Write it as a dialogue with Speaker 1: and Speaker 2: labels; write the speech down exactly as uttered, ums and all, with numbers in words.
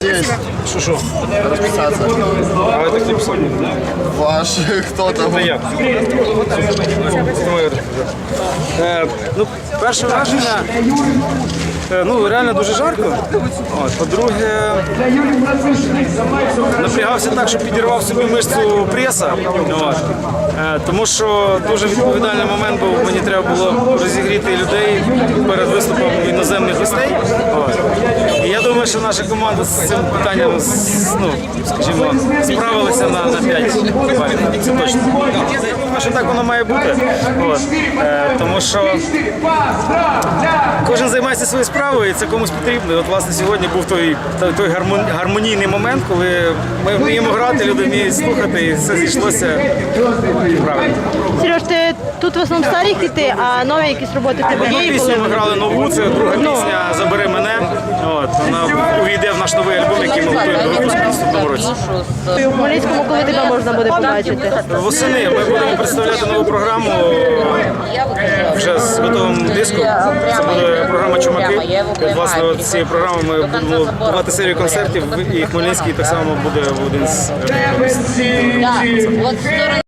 Speaker 1: Есть.
Speaker 2: Що що?
Speaker 1: Расписаться.
Speaker 2: А это клип сольник.
Speaker 1: Ваш, кто там?
Speaker 2: Це я. Е, ну, перше враження, е, ну, реально дуже жарко. От, по-друге, напрягався так, що підірвав собі мишцю преса. От. Е, тому що дуже відповідальний момент був, мені треба було розігріти людей перед виступом іноземних гостей. От. І я думаю, що наша команда з цим питанням, ну, скажімо, справилася на, на п'ять балів. Це точно. Я думаю, що так воно має бути. От. Е, тому що кожен займається своєю справою, і це комусь потрібно. І от, власне, сьогодні був той, той, той гармонійний момент, коли ми вміємо грати, люди вміють слухати, і все зійшлося правильно.
Speaker 3: Сереж, ти тут в основному старі хіти, а нові якісь роботи в тебе
Speaker 2: Одну
Speaker 3: є?
Speaker 2: пісню ми грали нову, це друга пісня «Забери мене». От, вона увійде в наш новий альбом, який ми готуємо до випуску в наступному році.
Speaker 3: У Хмельницькому коли тебе можна буде побачити?
Speaker 2: Восени ми будемо представляти нову програму вже з готовим диском. Це буде програма «Чумаки». Власне, от з цієї програми ми будемо давати серію концертів, і Хмельницький так само буде один з